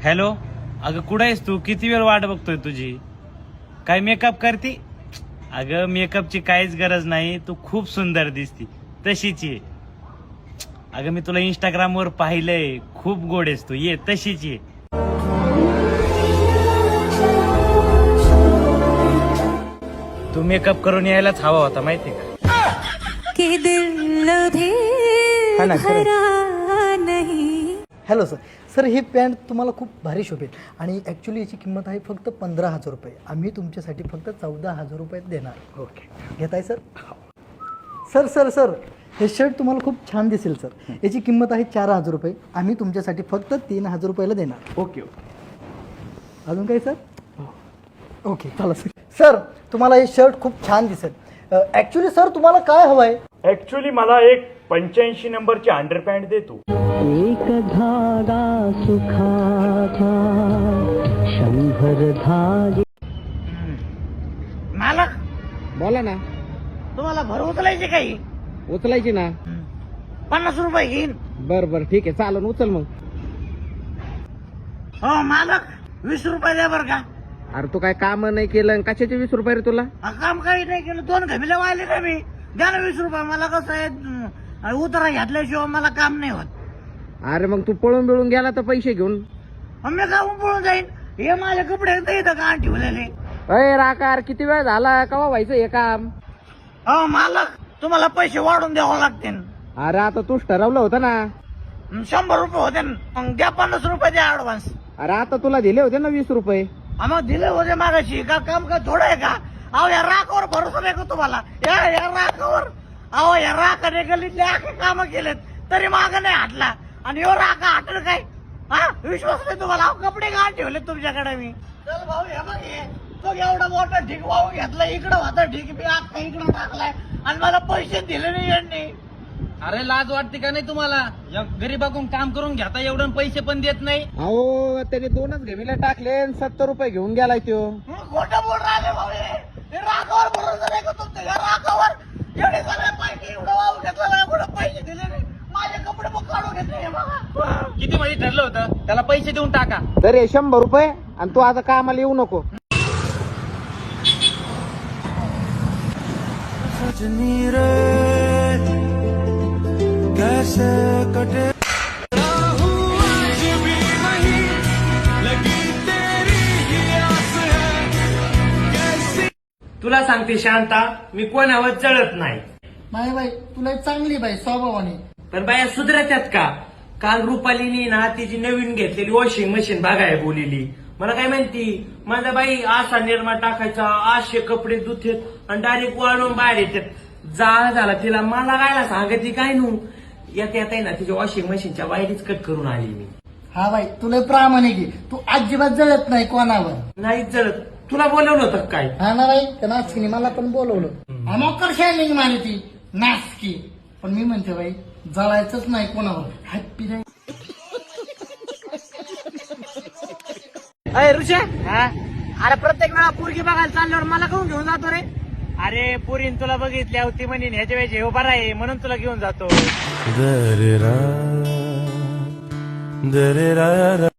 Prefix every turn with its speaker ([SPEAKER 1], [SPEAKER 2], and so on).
[SPEAKER 1] Hello, अगं कुठं आहेस तू? किती वेळ वाट बघतोय तुझी. काय मेकअप करती? अगं मेकअपची काहीच गरज नाही, तू खूप सुंदर दिसती तशीच ये. अगं मी तुला इंस्टाग्रामवर पाहिलंय, खूप गोड आहेस तू, ये तशीच ये. तू मेकअप करून यायलाच हवा होता माहितीये का?
[SPEAKER 2] कि दिल भी भरा नहीं.
[SPEAKER 3] Hello sir. सर ही पॅन्ट तुम्हाला खूप भारी शोभेल आणि ॲक्च्युली याची किंमत आहे फक्त 15,000 रुपये. आम्ही तुमच्यासाठी फक्त 14,000 रुपयात देणार. ओके, घेताय सर? सर सर सर हे शर्ट तुम्हाला खूप छान दिसेल सर. याची किंमत आहे 4,000 रुपये. आम्ही तुमच्यासाठी फक्त 3,000 रुपयाला देणार.
[SPEAKER 1] Okay okay.
[SPEAKER 3] अजून काही सर? ओके चला सर. सर तुम्हाला हे शर्ट खूप छान दिसेल. ॲक्च्युली सर तुम्हाला काय हवं आहे?
[SPEAKER 1] ऍक्च्युली मला एक 85 नंबरची अंडरपॅन्ट दे तू.
[SPEAKER 4] एक धागा सुखाचा 100 धागे.
[SPEAKER 1] मालक
[SPEAKER 5] बोला ना.
[SPEAKER 1] तुम्हाला भर उचलायची काही?
[SPEAKER 5] उचलायची ना.
[SPEAKER 1] 50 रुपये घेईन.
[SPEAKER 5] बर बर ठीक आहे चालन उचल मग.
[SPEAKER 1] हो मालक, 20 रुपये द्या बरं का.
[SPEAKER 5] अरे तू काय काम नाही केलं आणि कशाचे 20 रुपये रे तुला?
[SPEAKER 1] काम काही नाही केलं, 2 घमिले वाहिले का मी. द्या ना 20 रुपये. मला कसं आहे, उतारा घातल्याशिवाय मला काम नाही होत.
[SPEAKER 5] अरे मग तू पळून बिळून गेला तर पैसे घेऊन.
[SPEAKER 1] मी काहून पळून जाईन? हे माझे कपडे इथं का ठेवलेले.
[SPEAKER 5] अय राकार किती वेळ झाला कवा व्हायचं हे काम?
[SPEAKER 1] हो मालक, तुम्हाला पैसे वाढून द्यावं लागतील.
[SPEAKER 5] अरे आता तूच ठरवलं होतं ना.
[SPEAKER 1] 100 रुपये होते ना. मग द्या 50 रुपये द्या ऍडव्हान्स.
[SPEAKER 5] अरे आता तुला दिले होते ना 20 रुपये.
[SPEAKER 1] मग दिले होते मागाशी. का काम का थोडं आहे का? अहो या राखावर भरोसा नाही का तुम्हाला? या राखावर. अहो या राखाने गल्लीतले आखे काम केलेत तरी माग नाही हटला आणि यो राखा हटल काय? हा विश्वास नाही तुम्हाला? अहो कपडे का ठेवले तुमच्याकडे मी. चल भाऊ हे बघ हे. तो एवढा मोठा ढीक वाहू घेतला, इकडं होता ढीक, मी आखा इकडं टाकलाय आणि मला पैसे दिले नाही यांनी.
[SPEAKER 6] अरे लाज वाटते का नाही तुम्हाला? गरीबाकडून काम करून घेता एवढं पैसे पण देत नाही.
[SPEAKER 5] अहो त्याने 2च घमिले टाकले आणि 70 रुपये घेऊन गेलाय तो.
[SPEAKER 1] खोटं बोल राहिले भाऊ हे. राखावर भरोसा नाही का तुमच्या? या राखावर एवढे सगळे पैसे एवढं वाहू घेतला, एवढं पैसे दिले नाही. माझे कपडे मग काढून घेतले हे बघा.
[SPEAKER 6] किती मध्ये ठरलं होतं त्याला पैसे देऊन टाका.
[SPEAKER 5] तर हे 100 रुपये आणि तू आता कामाला येऊ नको.
[SPEAKER 1] तुला सांगते शांता, मी कोणावर चढत नाही.
[SPEAKER 3] नाही बाई, तुला चांगली बाई स्वभावाने.
[SPEAKER 1] पण बाया सुधरत्यात का? काल रुपालीनी ना तिची नवीन घेतलेली वॉशिंग मशीन बघाय बोलिली. मला काय म्हणती, माझा बाई असा निरमा टाकायचा, असे कपडे धुतेत आणि डायरेक्ट वाळून बाहेर येतात. जाळ झाला तिला. मला कायला सांगते काय नू. येता येता ना तिच्या वॉशिंग मशीनच्या वायरीच कट करून आली मी.
[SPEAKER 3] हा बाई तुला प्रामाणिक आहे. तू अजिबात जळत नाही कोणावर.
[SPEAKER 1] नाही जळत. तुला बोलवलं होतं काय?
[SPEAKER 3] हा ना बाई, त्या नाचकीने मला पण बोलवलं. अमोकर शायनिंग मारी ती नाचकी. पण मी म्हणते बाई जळायचंच नाही कोणावर. हॅप्पी नाही.
[SPEAKER 1] अरे ऋषा, अरे प्रत्येक वेळा पोरगी बघायला चालल्यावर मला घेऊन जातो रे. अरे पोरीन तुला बघितली होती म्हणून ह्याच्या वेळेस हे उभा आहे म्हणून तुला घेऊन जातो.